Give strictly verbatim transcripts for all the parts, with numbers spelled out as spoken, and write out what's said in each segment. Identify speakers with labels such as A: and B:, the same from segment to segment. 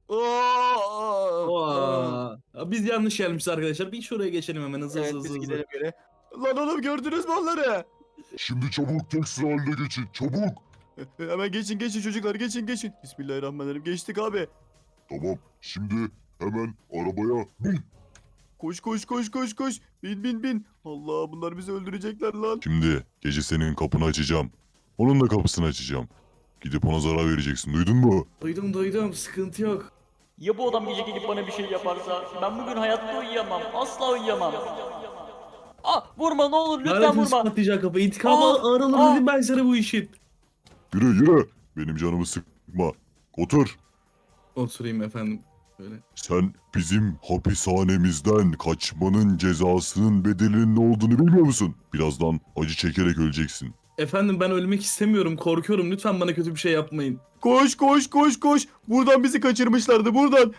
A: Oo!
B: Aa, biz yanlış gelmişiz arkadaşlar. Bir şuraya geçelim hemen hızlı
A: Evet
B: hızlı
A: biz
B: hızlı.
A: gidelim geri. Lan oğlum gördünüz mü onları?
C: Şimdi çabuk tek sıra haline geçin. Çabuk.
A: E, Hemen geçin geçin çocuklar geçin geçin. Bismillahirrahmanirrahim geçtik abi.
C: Tamam. Şimdi hemen arabaya bin.
A: Koş koş koş koş koş. Bin bin bin. Allah bunlar bizi öldürecekler lan.
C: Şimdi gece senin kapını açacağım. Onun da kapısını açacağım. Gidip ona zarar vereceksin. Duydun mu?
B: Duydum duydum, sıkıntı yok.
D: Ya bu adam gece gelip bana bir şey yaparsa? Ben bugün hayatta uyuyamam. Asla uyuyamam. Ah vurma ne olur lütfen
B: Lanet
D: vurma.
B: patlayacak kapı. İntikamı
D: Aa,
B: ağır alır
D: aa.
B: dedim ben sana bu işin.
C: Yürü yürü. Benim canımı sıkma. Otur.
B: Oturayım efendim. Böyle.
C: Sen bizim hapishanemizden kaçmanın cezasının bedelinin ne olduğunu bilmiyor musun? Birazdan acı çekerek öleceksin.
B: Efendim ben ölmek istemiyorum. Korkuyorum. Lütfen bana kötü bir şey yapmayın.
A: Koş koş koş koş. Buradan bizi kaçırmışlardı buradan.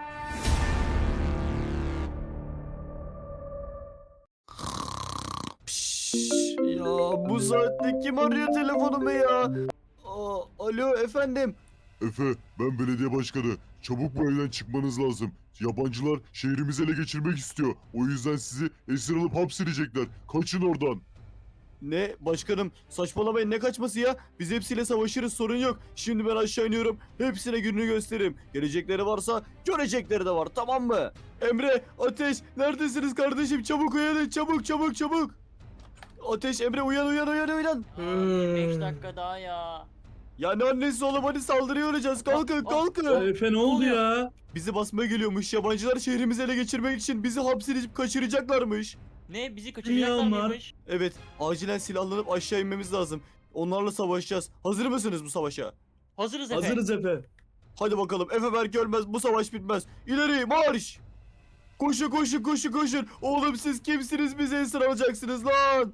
A: Pişt, ya bu saatte kim arıyor telefonumu ya? Aa, alo efendim.
C: Efe, ben belediye başkanı. Çabuk bu evden çıkmanız lazım. Yabancılar şehrimizi ele geçirmek istiyor. O yüzden sizi esir alıp hapsedecekler. Kaçın oradan.
A: Ne başkanım saçmalamayın ne kaçması ya? Biz hepsiyle savaşırız sorun yok. Şimdi ben aşağı iniyorum. Hepsine gününü gösteririm. Gelecekleri varsa görecekleri de var tamam mı? Emre, Ateş neredesiniz kardeşim? Çabuk uyanın çabuk çabuk çabuk. Ateş, Emre uyan uyan uyan uyan.
D: beş dakika daha ya.
A: Ya ne annesi oğlum hadi saldırıya uğrayacağız. Kalkın
D: Aa,
A: kalkın.
B: Efe ne oldu
D: oluyor?
B: ya?
A: Bizi basmaya geliyormuş. Yabancılar şehrimizi ele geçirmek için bizi hapsedip kaçıracaklarmış.
D: Ne bizi kaçıracaklar
B: Dünya var.
D: mıymış?
A: Evet acilen silahlanıp aşağı inmemiz lazım. Onlarla savaşacağız. Hazır mısınız bu savaşa?
D: Hazırız Efe.
B: Hazırız Efe.
A: Hadi bakalım Efe Berk ölmez bu savaş bitmez. İleri marş. Koşun koşun koşun koşun. Oğlum siz kimsiniz bizi esir alacaksınız lan.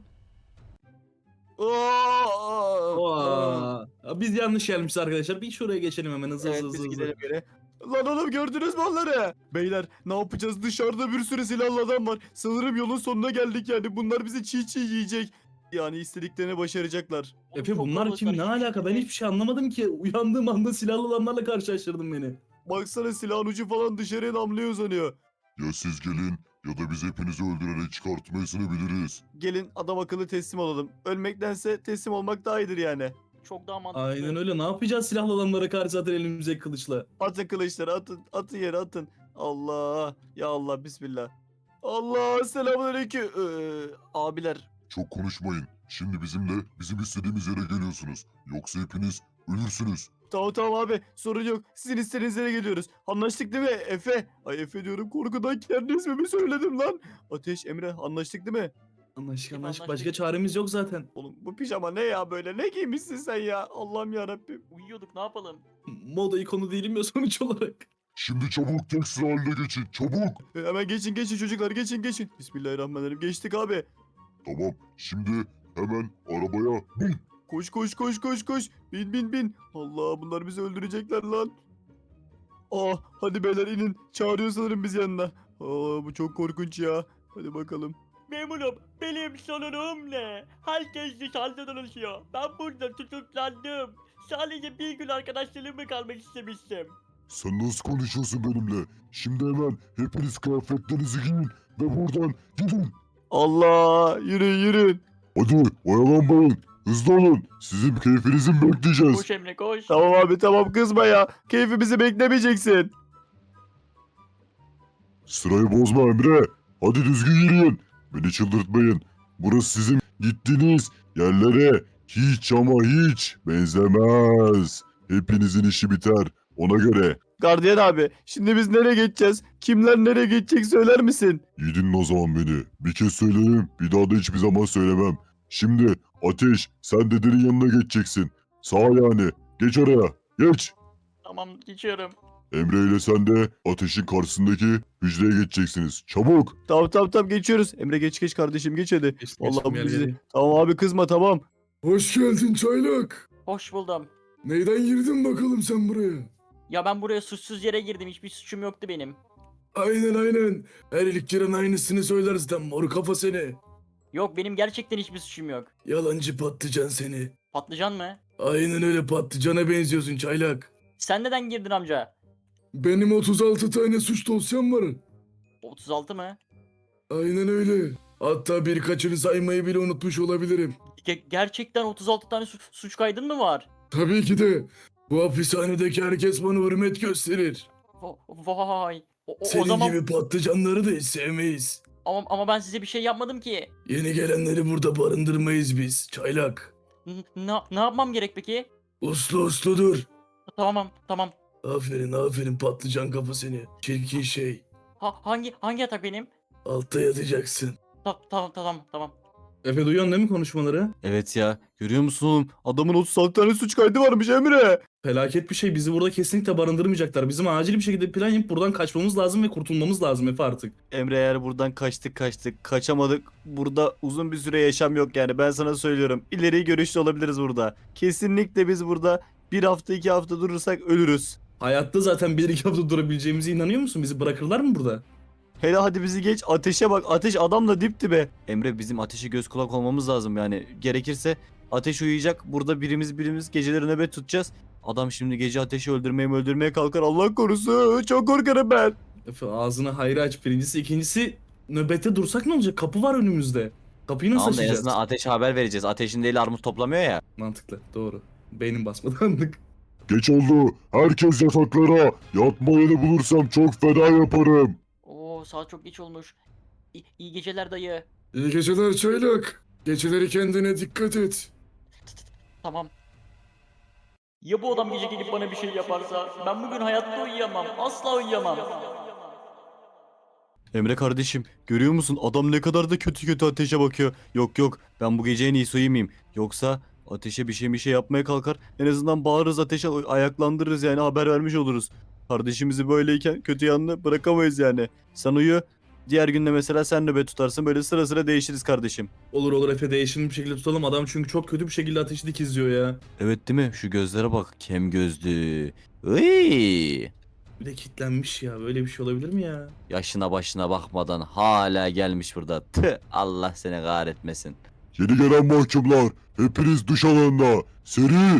A: Aa!
B: Aa, biz yanlış gelmişiz arkadaşlar. Bir şuraya geçelim hemen hızlı
A: Evet
B: hızlı
A: biz
B: hızlı.
A: gidelim geri. Lan oğlum gördünüz mü onları? Beyler ne yapacağız dışarıda bir sürü silahlı adam var. Sanırım yolun sonuna geldik yani bunlar bizi çiğ çiğ yiyecek. Yani istediklerini başaracaklar.
B: Efe
D: Çok
B: bunlar kim? Ne
D: kalabalıklar,
B: alaka? Ben
D: Efe.
B: hiçbir şey anlamadım ki. Uyandığım anda silahlı adamlarla karşılaştırdın beni.
A: Baksana silahın ucu falan dışarıya namluya uzanıyor.
C: Ya siz gelin ya da biz hepinizi öldürerek çıkartmayasını biliriz.
A: Gelin adam akıllı teslim olalım. Ölmektense teslim olmak daha iyidir yani.
D: Çok daha mantıklı.
B: Aynen öyle. Ne yapacağız silahlı adamlara karşı zaten elimize kılıçla?
A: Atın kılıçları atın. Atın yere atın. Allah. Ya Allah bismillah. Allah selamünaleyküm. Ee, abiler.
C: Çok konuşmayın. Şimdi bizimle bizim istediğimiz yere geliyorsunuz. Yoksa hepiniz ölürsünüz.
A: Tamam tamam abi sorun yok. Sizin istediğiniz yere geliyoruz. Anlaştık değil mi Efe? Ay Efe diyorum korkudan kendi ismimi söyledim lan. Ateş Emre anlaştık değil mi?
B: Anlaşık
D: Efe,
B: anlaşık.
D: anlaştık.
B: Başka çaremiz yok zaten.
A: Oğlum bu pijama ne ya böyle? Ne giymişsin sen ya? Allah'ım yarabbim.
D: Uyuyorduk ne yapalım?
B: Moda ikonu değilim ya sonuç olarak.
C: Şimdi çabuk tek sıra haline geçin. Çabuk.
A: E, hemen geçin geçin çocuklar geçin geçin. Bismillahirrahmanirrahim geçtik abi.
C: Tamam. Şimdi hemen arabaya bin.
A: Koş koş koş koş koş. Bin bin bin. Allah bunlar bizi öldürecekler lan. Aa hadi beyler inin. Çağırıyor sanırım biz yanına. Aa bu çok korkunç ya. Hadi bakalım.
D: Memurum benim sorunum ne? Herkes dışarıda dolaşıyor. Ben burada tutuklandım. Sadece bir gün arkadaşlarımla kalmak istemiştim.
C: Sen nasıl konuşuyorsun benimle? Şimdi hemen hepiniz kıyafetlerinizi giyin ve buradan gidin.
A: Allah yürüyün yürüyün.
C: Hadi oyalanmayın. Hızlı olun. Sizin keyfinizi mi bekleyeceğiz?
D: Koş Emre koş.
A: Tamam abi tamam kızma ya. Keyfimizi beklemeyeceksin.
C: Sırayı bozma Emre. Hadi düzgün yürüyün. Beni çıldırtmayın. Burası sizin gittiğiniz yerlere hiç ama hiç benzemez. Hepinizin işi biter. Ona göre.
A: Gardiyan abi şimdi biz nereye geçeceğiz? Kimler nereye geçecek söyler misin?
C: İyi dinle o zaman beni. Bir kez söyledim. Bir daha da hiçbir zaman söylemem. Şimdi Ateş sen dedenin yanına geçeceksin. Sağ yani. Geç oraya. Geç.
D: Tamam geçiyorum.
C: Emre ile sen de Ateş'in karşısındaki hücreye geçeceksiniz. Çabuk.
A: Tamam tamam tamam geçiyoruz. Emre geç geç kardeşim geç hadi.
B: Geç,
A: Vallahi
B: geçtim,
A: bu
B: gel,
A: bizi.
B: gel.
A: Tamam abi kızma tamam.
E: Hoş geldin çaylak.
D: Hoş buldum.
E: Neyden girdin bakalım sen buraya?
D: Ya ben buraya suçsuz yere girdim. Hiçbir suçum yoktu benim.
E: Aynen aynen. Her ilk giren aynısını söyler zaten mor kafa seni.
D: Yok benim gerçekten hiçbir suçum yok.
E: Yalancı patlıcan seni.
D: Patlıcan mı?
E: Aynen öyle patlıcana benziyorsun çaylak.
D: Sen neden girdin amca?
E: Benim otuz altı tane suç dosyam var.
D: otuz altı mı?
E: Aynen öyle. Hatta birkaçını saymayı bile unutmuş olabilirim.
D: Ge- gerçekten otuz altı tane su- suç kaydın mı var?
E: Tabii ki de. Bu hapishanedeki herkes bana hürmet gösterir.
D: Va- Vay. O, o- o
E: Senin
D: zaman
E: gibi patlıcanları da hiç sevmeyiz.
D: ama, ama ben size bir şey yapmadım ki.
E: Yeni gelenleri burada barındırmayız biz. Çaylak.
D: N- ne, ne yapmam gerek peki?
E: Uslu uslu dur.
D: Tamam tamam.
E: Aferin aferin patlıcan kafa seni. Çirkin şey.
D: Ha, hangi hangi yatak benim?
E: Altta yatacaksın.
D: Ta- tamam tamam tamam.
B: Efe duyuyorsun değil mi konuşmaları?
A: Evet ya. Görüyor musun oğlum? Adamın otuz altı tane suç kaydı varmış Emre.
B: Felaket bir şey. Bizi burada kesinlikle barındırmayacaklar. Bizim acil bir şekilde plan yapıp buradan kaçmamız lazım ve kurtulmamız lazım Efe artık.
A: Emre eğer buradan kaçtık kaçtık kaçamadık. Burada uzun bir süre yaşam yok yani ben sana söylüyorum. İleri görüşlü olabiliriz burada. Kesinlikle biz burada bir hafta iki hafta durursak ölürüz.
B: Hayatta zaten bir iki hafta durabileceğimize inanıyor musun? Bizi bırakırlar mı burada?
A: Hele hadi bizi geç ateşe bak ateş adamla dip dibe. Emre bizim ateşe göz kulak olmamız lazım yani gerekirse ateş uyuyacak burada birimiz birimiz geceleri nöbet tutacağız. Adam şimdi gece ateşi öldürmeye mi öldürmeye kalkar Allah korusun çok korkarım ben.
B: Efe ağzını hayra aç birincisi. İkincisi nöbette dursak ne olacak? Kapı var önümüzde. Kapıyı nasıl
A: Tamam da en
B: açacağız?
A: azından ateşe haber vereceğiz ateşin değil armut toplamıyor ya.
B: Mantıklı. Doğru. Beynim basmadı anlık.
C: Geç oldu. Herkes yataklara. Yatma yeri bulursam çok feda yaparım.
D: Oo saat çok geç olmuş. İ- iyi geceler dayı.
E: İyi geceler çaylak. Geceleri kendine dikkat et.
D: Tamam. Ya bu adam gece gelip bana bir şey yaparsa? Ben bugün hayatta uyuyamam. Asla uyuyamam.
A: Emre kardeşim görüyor musun adam ne kadar da kötü kötü ateşe bakıyor. Yok yok ben bu gece en iyisi uyumayayım. Yoksa ateşe bir şey bir şey yapmaya kalkar. En azından bağırırız ateşe ayaklandırırız yani haber vermiş oluruz. Kardeşimizi böyleyken kötü yanını bırakamayız yani. Sen uyu. Diğer günde mesela sen nöbet tutarsın böyle sıra sıra değişiriz kardeşim.
B: Olur olur Efe değişimli bir şekilde tutalım. Adam çünkü çok kötü bir şekilde ateşi dikizliyor ya.
A: Evet değil mi? Şu gözlere bak. Kem gözlü. Iy.
B: Bir de kitlenmiş ya. Böyle bir şey olabilir mi ya?
A: Yaşına başına bakmadan hala gelmiş burada. Tüh, Allah seni kahretmesin.
C: Yeni gelen mahkumlar. Hepiniz duş alanına. Seri.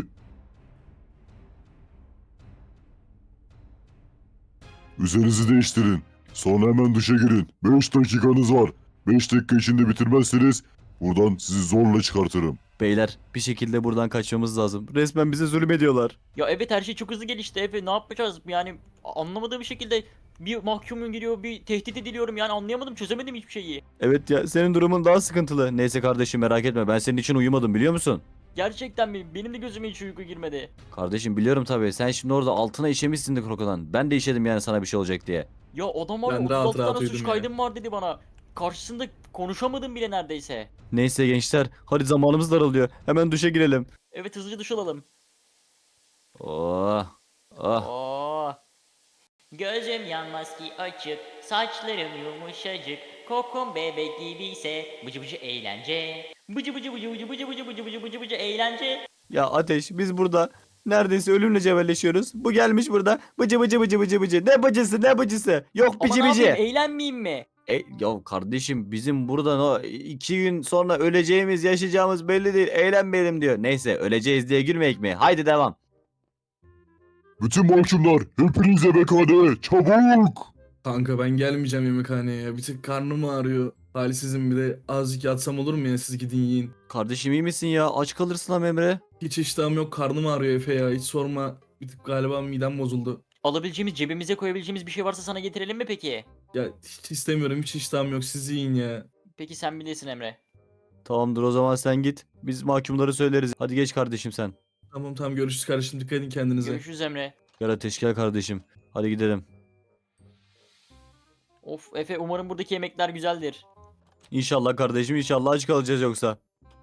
C: Üzerinizi değiştirin. Sonra hemen duşa girin. beş dakikanız var. beş dakika içinde bitirmezseniz buradan sizi zorla çıkartırım.
A: Beyler bir şekilde buradan kaçmamız lazım. Resmen bize zulüm ediyorlar.
D: Ya evet her şey çok hızlı gelişti Efe. Ne yapacağız? Yani anlamadığım bir şekilde bir mahkumun giriyor, bir tehdit ediliyorum. Yani anlayamadım, çözemedim hiçbir şeyi.
A: Evet ya senin durumun daha sıkıntılı. Neyse kardeşim merak etme ben senin için uyumadım biliyor musun?
D: Gerçekten mi? Benim de gözüme hiç uyku girmedi.
A: Kardeşim biliyorum tabii sen şimdi orada altına işemişsin de krokodan. Ben de işedim yani sana bir şey olacak diye.
D: Ya adam var ya
B: Ben rahat
D: otuz altı
B: rahat
D: tane suç
B: uyudum ya.
D: kaydım var dedi bana. Karşısında konuşamadım bile neredeyse.
A: Neyse gençler hadi zamanımız daralıyor. Hemen duşa girelim.
D: Evet hızlıca duş alalım.
A: Oh. Oh.
D: Oo. Gözüm yanmaz ki açık, saçlarım yumuşacık, kokum bebek gibiyse bıcı bıcı eğlence. Bıcı bıcı bıcı bıcı bıcı bıcı bıcı bıcı bıcı bıcı eğlence.
A: Ya Ateş biz burada neredeyse ölümle cebelleşiyoruz. Bu gelmiş burada bıcı bıcı bıcı bıcı bıcı. Ne bıcısı ne bıcısı. Yok
D: Ama
A: bıcı
D: ne
A: bıcı.
D: yapayım eğlenmeyeyim mi?
A: E, ya kardeşim bizim buradan o iki gün sonra öleceğimiz yaşayacağımız belli değil. Eğlenmeyelim diyor. Neyse öleceğiz diye gülmeyek mi? Haydi devam.
C: Bütün mahkumlar hepiniz yemekhaneye. Çabuk.
B: Kanka ben gelmeyeceğim yemekhaneye ya. Bir tık karnım ağrıyor. Halsizim bir de azıcık yatsam olur mu ya siz gidin yiyin.
A: Kardeşim iyi misin ya? Aç kalırsın ama Emre.
B: Hiç iştahım yok karnım ağrıyor Efe ya hiç sorma. Bir tık galiba midem bozuldu.
D: Alabileceğimiz cebimize koyabileceğimiz bir şey varsa sana getirelim mi peki?
B: Ya hiç istemiyorum hiç iştahım yok siz yiyin ya.
D: Peki sen bilirsin Emre.
A: Tamamdır o zaman sen git. Biz mahkumları söyleriz. Hadi geç kardeşim sen.
B: Tamam tamam görüşürüz kardeşim dikkat edin kendinize.
D: Görüşürüz Emre.
A: Gel Ateş gel kardeşim. Hadi gidelim.
D: Of Efe umarım buradaki yemekler güzeldir.
A: İnşallah kardeşim inşallah aç kalacağız yoksa.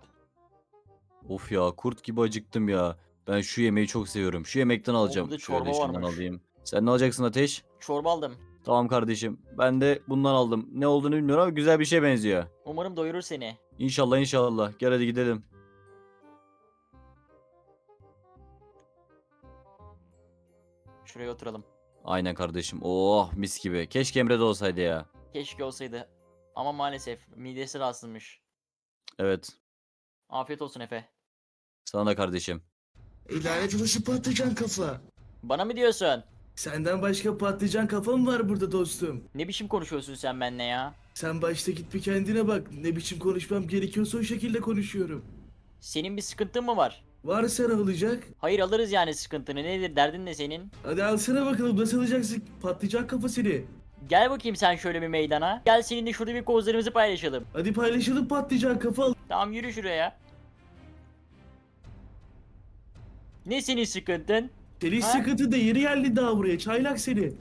A: Of ya kurt gibi acıktım ya. Ben şu yemeği çok seviyorum. Şu yemekten alacağım.
D: burada
A: Şöyle
D: çorba
A: şundan
D: varmış.
A: alayım. Sen ne alacaksın Ateş?
D: Çorba aldım.
A: Tamam kardeşim. Ben de bundan aldım. Ne olduğunu bilmiyorum ama güzel bir şey benziyor.
D: Umarım doyurur seni.
A: İnşallah inşallah. Gel hadi gidelim.
D: Şuraya oturalım.
A: Aynen kardeşim. Oh mis gibi. Keşke Emre de olsaydı ya.
D: Keşke olsaydı. Ama maalesef midesi rahatsızmış.
A: Evet.
D: Afiyet olsun Efe.
A: Sana da kardeşim.
E: Lanet olası patlıcan kafa.
D: Bana mı diyorsun?
E: Senden başka patlıcan kafa mı var burada dostum?
D: Ne biçim konuşuyorsun sen benimle ya?
E: Sen başta git bir kendine bak. Ne biçim konuşmam gerekiyorsa o şekilde konuşuyorum.
D: Senin bir sıkıntın mı var?
E: Varsa ne olacak?
D: Hayır, alırız yani sıkıntını. Nedir, derdin ne senin?
E: Hadi alsana bakalım nasıl alacaksın patlıcan kafa seni.
D: Gel bakayım sen şöyle bir meydana. Gel seninle şurada bir kozlarımızı paylaşalım.
E: Hadi paylaşalım patlıcan kafa al.
D: Tamam, yürü şuraya. Ne senin sıkıntın?
E: Senin
D: Ha?
E: sıkıntı da yeri geldi daha buraya çaylak seni.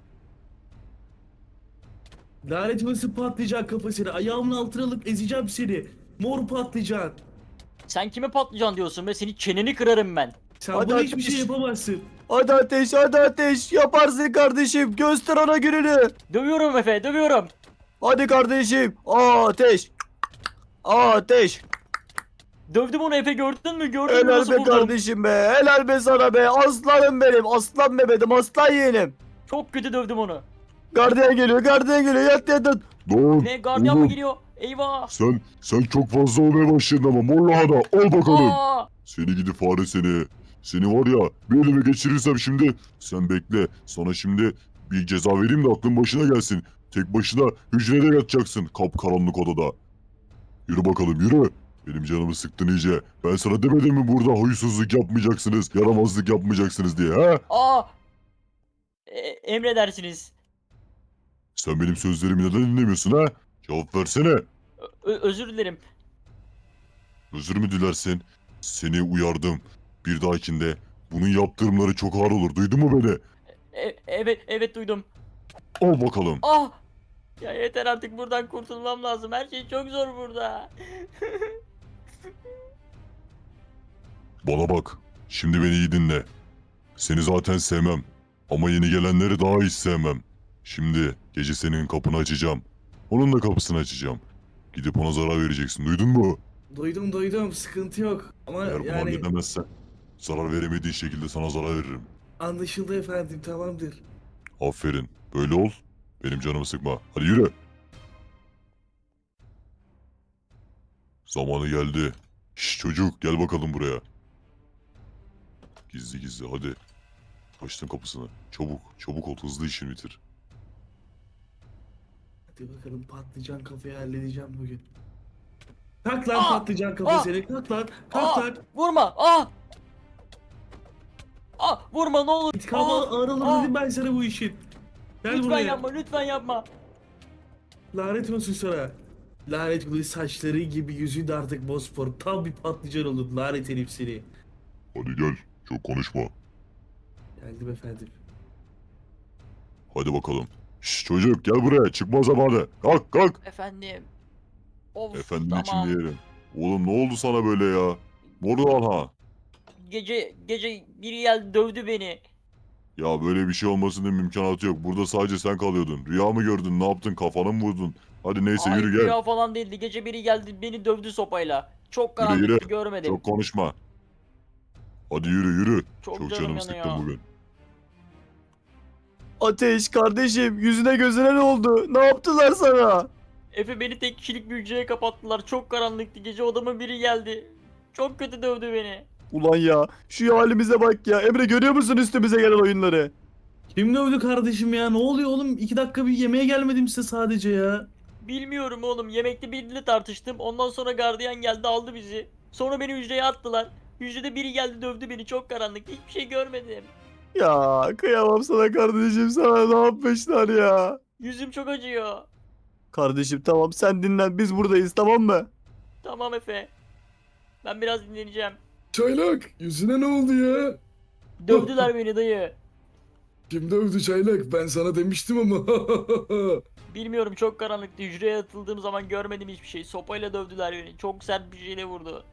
E: Lanet olası patlıcan kafa seni. Ayağımın altına alıp ezeceğim seni. Mor patlıcan.
D: Sen kime patlıcan diyorsun be? Senin çeneni kırarım ben.
E: Sen
A: Hadi
E: bana
A: ateş.
E: hiçbir şey yapamazsın.
A: Hadi Ateş, hadi Ateş. Yaparsın kardeşim. Göster ona gününü.
D: Dövüyorum Efe, dövüyorum.
A: Hadi kardeşim. Ateş. Ateş.
D: Dövdüm onu Efe, gördün mü? Gördün mü
A: Helal
D: nasıl
A: be
D: vurdum?
A: kardeşim be. Helal be sana be. Aslanım benim. Aslan bebedim. Aslan yeğenim.
D: Çok kötü dövdüm onu.
A: Gardiyan geliyor. Gardiyan geliyor. Yat yat yat.
C: Lan
D: Ne, gardiyan mı
C: oğlum,
D: geliyor? Eyvah.
C: sen sen çok fazla olmaya başladın ama mor lahana al bakalım.
D: Aa!
C: Seni gidi fare seni. Seni var ya bir elime geçirirsem şimdi sen bekle. Sana şimdi bir ceza vereyim de aklın başına gelsin. Tek başına hücrede yatacaksın kapkaranlık odada. Yürü bakalım yürü. Benim canımı sıktın iyice. Ben sana demedim mi burada huysuzluk yapmayacaksınız, yaramazlık yapmayacaksınız diye ha?
D: Aa! E, emredersiniz.
C: Sen benim sözlerimi neden dinlemiyorsun ha? Cevap versene.
D: Ö- özür dilerim.
C: Özür mü dilersin? Seni uyardım. Bir dahakinde bunun yaptırımları çok ağır olur. Duydun mu beni?
D: E- evet, evet duydum.
C: Al bakalım.
D: Ah! Ya yeter artık, buradan kurtulmam lazım. Her şey çok zor burada.
C: Bana bak. Şimdi beni iyi dinle. Seni zaten sevmem. Ama yeni gelenleri daha hiç sevmem. Şimdi gece senin kapını açacağım. Onun da kapısını açacağım. Gidip ona zarar vereceksin. Duydun mu?
E: Duydum duydum sıkıntı yok. Ama
C: Eğer bunu
E: yani
C: halledemezsen zarar veremediğin şekilde sana zarar veririm.
E: anlaşıldı efendim tamamdır.
C: Aferin. Böyle ol. Benim canımı sıkma. Hadi yürü. Zamanı geldi. Şş çocuk gel bakalım buraya. Gizli gizli hadi. Açtım kapısını. Çabuk çabuk ol hızlı işini bitir.
E: Hadi bakalım patlıcan kafayı halledeceğim bugün. Kalk lan
D: Aa!
E: patlıcan kafa
D: Aa!
E: seni kalk lan kalk
D: Aa!
E: lan.
D: Vurma! Ah! Ah! Vurma ne olur!
E: İntikamı
D: Ah!
E: ağır alır
D: Ah!
E: dedim ben sana bu işin. Gel
D: Lütfen
E: buraya.
D: yapma, lütfen yapma.
E: Lanet olsun sana. Lanet olsun saçları gibi yüzün de artık bosfor. Tam bir patlıcan oldun lanet herif seni.
C: Hadi gel. Çok konuşma.
E: Geldim efendim.
C: Hadi bakalım. Şş çocuk gel buraya. Çıkma zamanı. Kalk kalk.
D: Efendim. Of,
C: Efendim
D: tamam.
C: için diyelim. Oğlum ne oldu sana böyle ya? Mordan ha.
D: Gece gece biri geldi dövdü beni.
C: Ya böyle bir şey olmasının mümkünatı yok. Burada sadece sen kalıyordun. Rüya mı gördün? Ne yaptın? Kafana mı vurdun? Hadi neyse
D: Ay,
C: yürü gel.
D: rüya falan değildi. Gece biri geldi beni dövdü sopayla. Çok
C: Yürü,
D: karanlıktı,
C: yürü.
D: görmedim.
C: Çok konuşma. Hadi yürü yürü.
D: Çok
C: Çok
D: canım
C: canım
D: yanıyor.
C: sıktın bugün.
A: Ateş kardeşim. Yüzüne gözüne ne oldu? Ne yaptılar sana?
D: Efe, beni tek kişilik bir hücreye kapattılar. Çok karanlıktı. Gece odama biri geldi. Çok kötü dövdü beni.
A: Ulan ya. Şu halimize bak ya. Emre görüyor musun üstümüze gelen oyunları?
E: Kim dövdü kardeşim ya? Ne oluyor oğlum? İki dakika bir yemeğe gelmedim size sadece ya.
D: Bilmiyorum oğlum. Yemekte biriyle tartıştım. Ondan sonra gardiyan geldi, aldı bizi. Sonra beni hücreye attılar. Hücrede biri geldi dövdü beni. Çok karanlık. Hiçbir şey görmedim.
A: Ya kıyamam sana kardeşim. Sana ne yapmışlar ya?
D: Yüzüm çok acıyor.
A: Kardeşim tamam sen dinlen. Biz buradayız tamam mı?
D: Tamam Efe. Ben biraz dinleneceğim.
E: Çaylak yüzüne ne oldu ya?
D: Dövdüler beni dayı.
E: Kim dövdü Çaylak? Ben sana demiştim ama.
D: Bilmiyorum, çok karanlıktı. Hücreye atıldığım zaman görmedim hiçbir şey. Sopayla dövdüler beni. Çok sert bir şeyle vurdu.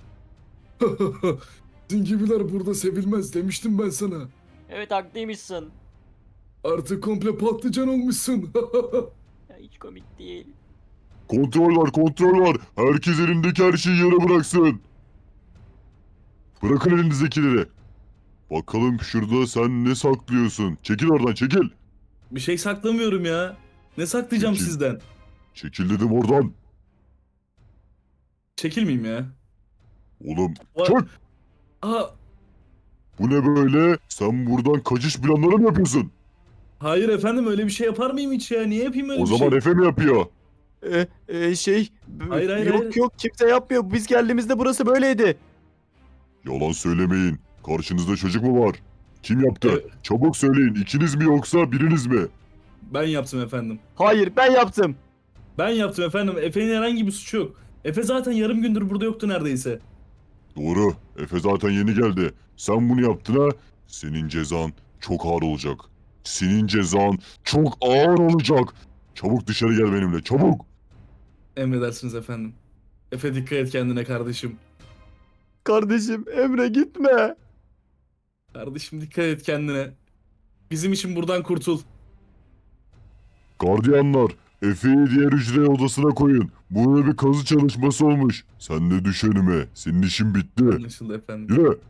E: Sizin gibiler burada sevilmez demiştim ben sana.
D: Evet, haklıymışsın.
E: Artık komple patlıcan olmuşsun.
D: Ya, hiç komik değil.
C: Kontrol var kontrol var. Herkes elindeki her şeyi yere bıraksın. Bırakın elinizdekileri. Bakalım şurada sen ne saklıyorsun? Çekil oradan çekil.
E: Bir şey saklamıyorum ya. Ne saklayacağım
C: Peki.
E: sizden?
C: Çekil dedim oradan.
E: Çekilmeyeyim ya.
C: Oğlum
E: Va-
C: çık.
E: Aa,
C: Bu ne böyle? Sen buradan kaçış planları mı yapıyorsun?
E: Hayır efendim, öyle bir şey yapar mıyım hiç ya? Niye yapayım öyle
C: O
E: bir
C: zaman
E: şey?
C: Efe mi yapıyor?
A: E, e, şey b-
E: Hayır, hayır,
A: yok
E: hayır.
A: yok kimse yapmıyor. Biz geldiğimizde burası böyleydi.
C: Yalan söylemeyin. Karşınızda çocuk mu var? Kim yaptı?
E: Evet.
C: Çabuk söyleyin. İkiniz mi yoksa biriniz mi?
E: Ben yaptım efendim.
A: Hayır ben yaptım.
E: Ben yaptım efendim. Efe'nin herhangi bir suçu yok. Efe zaten yarım gündür burada yoktu neredeyse.
C: Doğru. Efe zaten yeni geldi. Sen bunu yaptın ha? Senin cezan çok ağır olacak. Senin cezan çok ağır olacak. Çabuk dışarı gel benimle. Çabuk.
E: Emredersiniz efendim. Efe dikkat et kendine kardeşim.
A: Kardeşim Emre gitme.
E: Kardeşim dikkat et kendine. Bizim için buradan kurtul.
C: Gardiyanlar, Efe'yi diğer hücre odasına koyun. Burada bir kazı çalışması olmuş. Sen de düş önüme. Senin işin bitti.
E: Anlaşıldı efendim.
C: Yürü.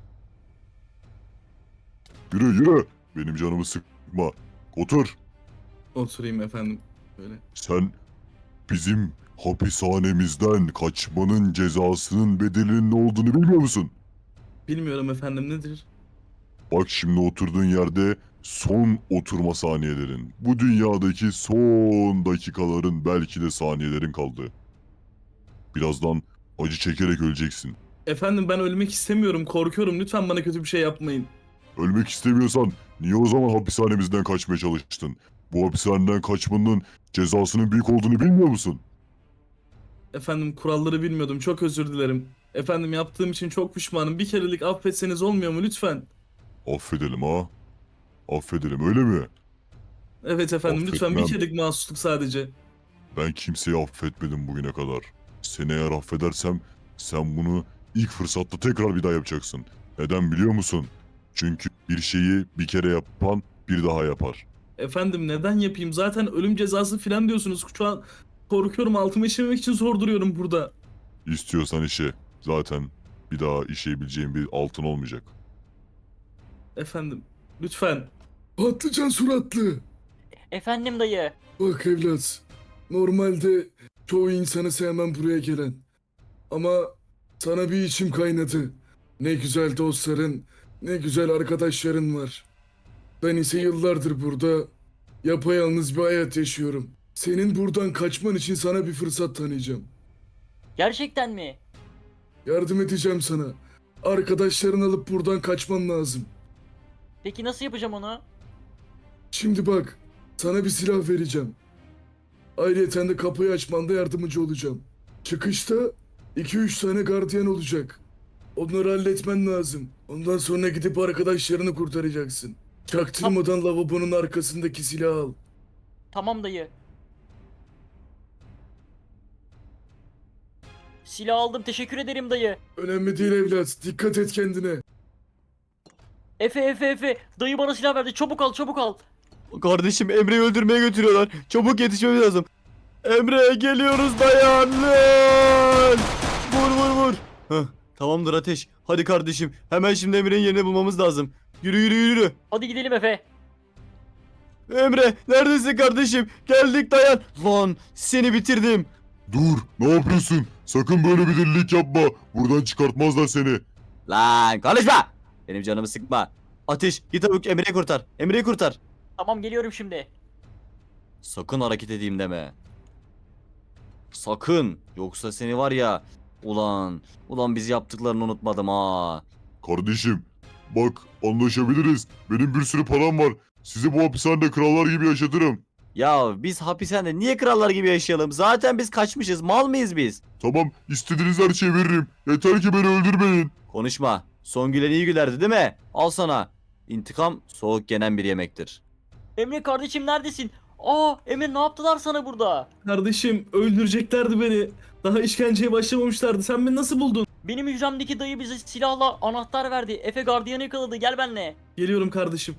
C: Yürü yürü. Benim canımı sıkma. Otur.
E: Oturayım efendim. Böyle.
C: Sen bizim hapishanemizden kaçmanın cezasının bedelinin ne olduğunu bilmiyor musun?
E: Bilmiyorum efendim, nedir?
C: Bak şimdi oturduğun yerde son oturma saniyelerin. Bu dünyadaki son dakikaların belki de saniyelerin kaldı. Birazdan acı çekerek öleceksin.
E: Efendim ben ölmek istemiyorum. Korkuyorum. Lütfen bana kötü bir şey yapmayın.
C: Ölmek istemiyorsan niye o zaman hapishanemizden kaçmaya çalıştın? Bu hapishaneden kaçmanın cezasının büyük olduğunu bilmiyor musun?
E: Efendim kuralları bilmiyordum. Çok özür dilerim. Efendim yaptığım için çok pişmanım. Bir kerelik affetseniz olmuyor mu lütfen?
C: Affedelim ha. Affedelim öyle mi?
E: Evet efendim, lütfen bir
C: Affetmem.
E: kerelik mahsusluk sadece.
C: Ben kimseyi affetmedim bugüne kadar. Seni eğer affedersem sen bunu ilk fırsatta tekrar bir daha yapacaksın. Neden biliyor musun? Çünkü bir şeyi bir kere yapan bir daha yapar.
E: Efendim neden yapayım? Zaten ölüm cezası filan diyorsunuz. Şu an korkuyorum. Altımı işememek için zor duruyorum burada.
C: İstiyorsan işe. Zaten bir daha işeyebileceğin bir altın olmayacak.
E: Efendim lütfen.
B: Patlıcan suratlı.
D: Efendim dayı.
B: Bak evlat. Normalde çoğu insanı sevmem buraya gelen. Ama sana bir içim kaynadı. Ne güzel dostların, ne güzel arkadaşların var. Ben ise yıllardır burada yapayalnız bir hayat yaşıyorum. Senin buradan kaçman için sana bir fırsat tanıyacağım.
D: Gerçekten mi?
B: Yardım edeceğim sana. Arkadaşlarını alıp buradan kaçman lazım.
D: Peki nasıl yapacağım onu?
B: Şimdi bak, sana bir silah vereceğim. Ayrıca de kapıyı açmanda yardımcı olacağım. Çıkışta iki üç tane gardiyan olacak. Onları halletmen lazım. Ondan sonra gidip arkadaşlarını kurtaracaksın. Çaktırmadan lavabonun arkasındaki silahı al.
D: Tamam dayı. Silah aldım, teşekkür ederim dayı.
B: Önemli değil evlat, dikkat et kendine.
D: Efe Efe Efe. Dayı bana silah verdi. Çabuk al çabuk al.
A: Kardeşim Emre'yi öldürmeye götürüyorlar. Çabuk yetişmemiz lazım. Emre geliyoruz dayan lan. Vur vur vur. Heh, tamamdır Ateş. Hadi kardeşim hemen şimdi Emre'nin yerini bulmamız lazım. Yürü yürü yürü.
D: Hadi gidelim Efe.
A: Emre neredesin kardeşim? Geldik dayan. Lan seni bitirdim.
C: Dur, ne yapıyorsun? Sakın böyle bir delilik yapma. Buradan çıkartmazlar seni.
A: Lan konuşma. Benim canımı sıkma. Ateş git çabuk Emre'yi kurtar. Emre'yi kurtar.
D: Tamam geliyorum şimdi.
A: Sakın hareket edeyim deme. Sakın. Yoksa seni var ya. Ulan. Ulan biz yaptıklarını unutmadım ha.
C: Kardeşim, bak anlaşabiliriz. Benim bir sürü param var. Sizi bu hapishanede krallar gibi yaşatırım.
A: Ya biz hapishanede niye krallar gibi yaşayalım? Zaten biz kaçmışız. Mal mıyız biz?
C: Tamam, istediğiniz her şeyi veririm. Yeter ki beni öldürmeyin.
A: Konuşma. Son gülen iyi gülerdi değil mi? Al sana. İntikam soğuk yenen bir yemektir.
D: Emre kardeşim neredesin? Aa Emre ne yaptılar sana burada?
E: Kardeşim öldüreceklerdi beni. Daha işkenceye başlamamışlardı. Sen beni nasıl buldun?
D: Benim hücremdeki dayı bize silahla anahtar verdi. Efe gardiyanı yakaladı. Gel benimle.
E: Geliyorum kardeşim.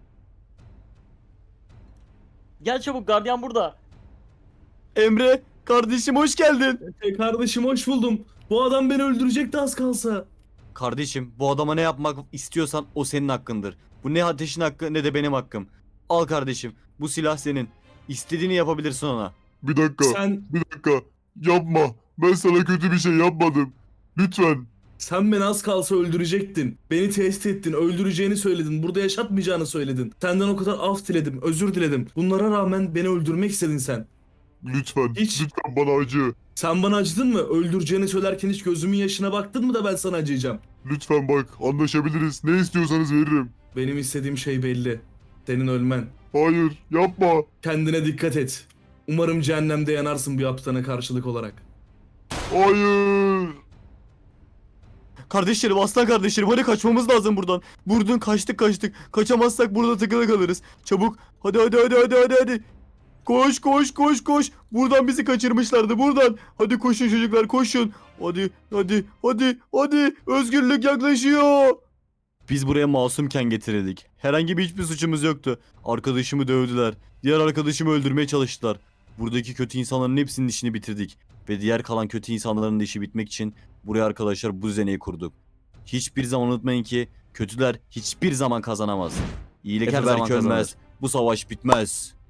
D: Gel çabuk, gardiyan burada.
A: Emre kardeşim hoş geldin.
E: Efe kardeşim hoş buldum. Bu adam beni öldürecekti az kalsa.
A: Kardeşim bu adama ne yapmak istiyorsan o senin hakkındır. Bu ne Ateş'in hakkı ne de benim hakkım. Al kardeşim bu silah senin. İstediğini yapabilirsin ona.
C: Bir dakika,
E: Sen
C: bir dakika. Yapma. Ben sana kötü bir şey yapmadım. Lütfen.
E: Sen beni az kalsa öldürecektin. Beni tehdit ettin, öldüreceğini söyledin, burada yaşatmayacağını söyledin. Senden o kadar af diledim, özür diledim. Bunlara rağmen beni öldürmek istedin sen.
C: Lütfen,
E: Hiç.
C: lütfen bana acı.
E: Sen bana acıdın mı? Öldüreceğini söylerken hiç gözümün yaşına baktın mı da ben sana acıyacağım?
C: Lütfen bak, anlaşabiliriz. Ne istiyorsanız veririm.
E: Benim istediğim şey belli. Senin ölmen.
C: Hayır, yapma.
E: Kendine dikkat et. Umarım cehennemde yanarsın bu yaptığına karşılık olarak.
C: Hayır.
A: Kardeşlerim, aslan kardeşlerim, hadi kaçmamız lazım buradan. Buradan kaçtık kaçtık. Kaçamazsak burada takılı kalırız. Çabuk. Hadi hadi hadi hadi hadi hadi. Koş koş koş koş. Buradan bizi kaçırmışlardı, buradan. Hadi koşun çocuklar, koşun. Hadi hadi hadi hadi. Özgürlük yaklaşıyor. Biz buraya masumken getirildik. Herhangi bir hiçbir suçumuz yoktu. Arkadaşımı dövdüler. Diğer arkadaşımı öldürmeye çalıştılar. Buradaki kötü insanların hepsinin işini bitirdik. Ve diğer kalan kötü insanların da işi bitmek için buraya arkadaşlar bu düzeneyi kurduk. Hiçbir zaman unutmayın ki kötüler hiçbir zaman kazanamaz. İyilik her zaman kazanır. Bu savaş bitmez.